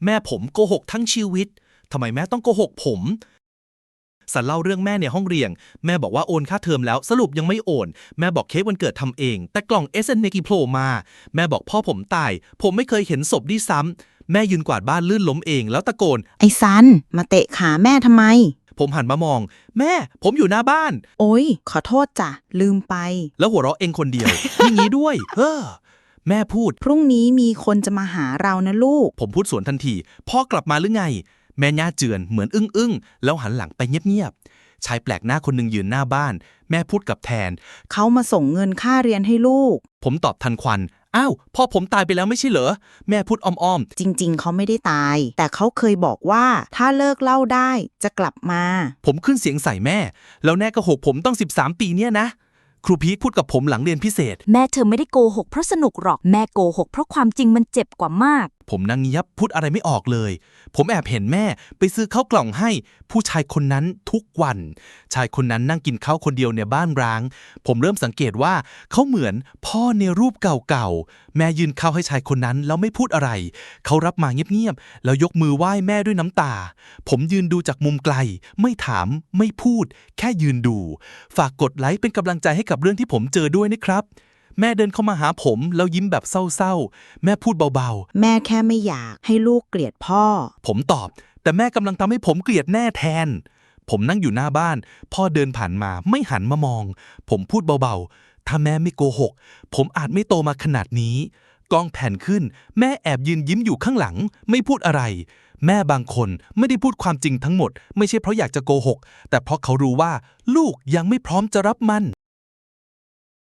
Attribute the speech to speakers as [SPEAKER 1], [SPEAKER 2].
[SPEAKER 1] แม่ผมโกหกทั้งชีวิตทำไมแม่ต้องโกหกผมสันเล่าเรื่องแม่ในห้องเรียนแม่บอกว่าโอนค่าเทอมแล้วสรุปยังไม่โอนแม่บอกเค้กวันเกิดทำเองแต่กล่อง SNMP โผล่มาแม่บอกพ่อผมตายผมไม่เคยเห็นศพด้วยซ้ำแม่ยืนกวาดบ้านลื่นล้มเองแล้วตะโกน
[SPEAKER 2] ไอ้ซันมาเตะขาแม่ทำไม
[SPEAKER 1] ผมหันมามองแม่ผมอยู่หน้าบ้าน
[SPEAKER 2] โอ๊ยขอโทษจ้ะลืมไป
[SPEAKER 1] แล้วหัวเราะเองคนเดียว อย่างนี้ด้วยแม่พูด
[SPEAKER 2] พรุ่งนี้มีคนจะมาหาเรานะลูก
[SPEAKER 1] ผมพูดสวนทันทีพ่อกลับมาหรือไงแม่ย่าเจือนเหมือนอึ้งแล้วหันหลังไปเงียบๆชายแปลกหน้าคนหนึ่งยืนหน้าบ้านแม่พูดกับแทน
[SPEAKER 2] เขามาส่งเงินค่าเรียนให้ลูก
[SPEAKER 1] ผมตอบทันควันอ้าวพ่อผมตายไปแล้วไม่ใช่เหรอแม่พูดอ้อม
[SPEAKER 2] จริงๆ เขาไม่ได้ตาย แต่เขาเคยบอกว่าถ้าเลิกเหล้าได้จะกลับมา
[SPEAKER 1] ๆผมขึ้นเสียงใส่แม่แล้วแน่ก็หกผมต้อง13 ปีเนี่ยนะครูพีคพูดกับผมหลังเรียนพิเศษ
[SPEAKER 3] แม่เธอไม่ได้โกหกเพราะสนุกหรอกแม่โกหกเพราะความจริงมันเจ็บกว่ามาก
[SPEAKER 1] ผมนั่งเงียบพูดอะไรไม่ออกเลย ผมแอบเห็นแม่ไปซื้อข้าวกล่องให้ผู้ชายคนนั้นทุกวัน ชายคนนั้นนั่งกินข้าวคนเดียวในบ้านร้าง ผมเริ่มสังเกตว่าเขาเหมือนพ่อในรูปเก่าๆ แม่ยืนข้าวให้ชายคนนั้นแล้วไม่พูดอะไร เขารับมาเงียบๆ แล้วยกมือไหว้แม่ด้วยน้ำตา ผมยืนดูจากมุมไกล ไม่ถามไม่พูด แค่ยืนดู ฝากกดไลค์เป็นกำลังใจให้กับเรื่องที่ผมเจอด้วยนะครับแม่เดินเข้ามาหาผมแล้วยิ้มแบบเศร้าๆแม่พูดเบาๆ
[SPEAKER 2] แม่แค่ไม่อยากให้ลูกเกลียดพ่อ
[SPEAKER 1] ผมตอบแต่แม่กำลังทำให้ผมเกลียดแน่แทนผมนั่งอยู่หน้าบ้านพ่อเดินผ่านมาไม่หันมามองผมพูดเบาๆถ้าแม่ไม่โกหกผมอาจไม่โตมาขนาดนี้กล้องแผ่นขึ้นแม่แอบยืนยิ้มอยู่ข้างหลังไม่พูดอะไรแม่บางคนไม่ได้พูดความจริงทั้งหมดไม่ใช่เพราะอยากจะโกหกแต่เพราะเขารู้ว่าลูกยังไม่พร้อมจะรับมัน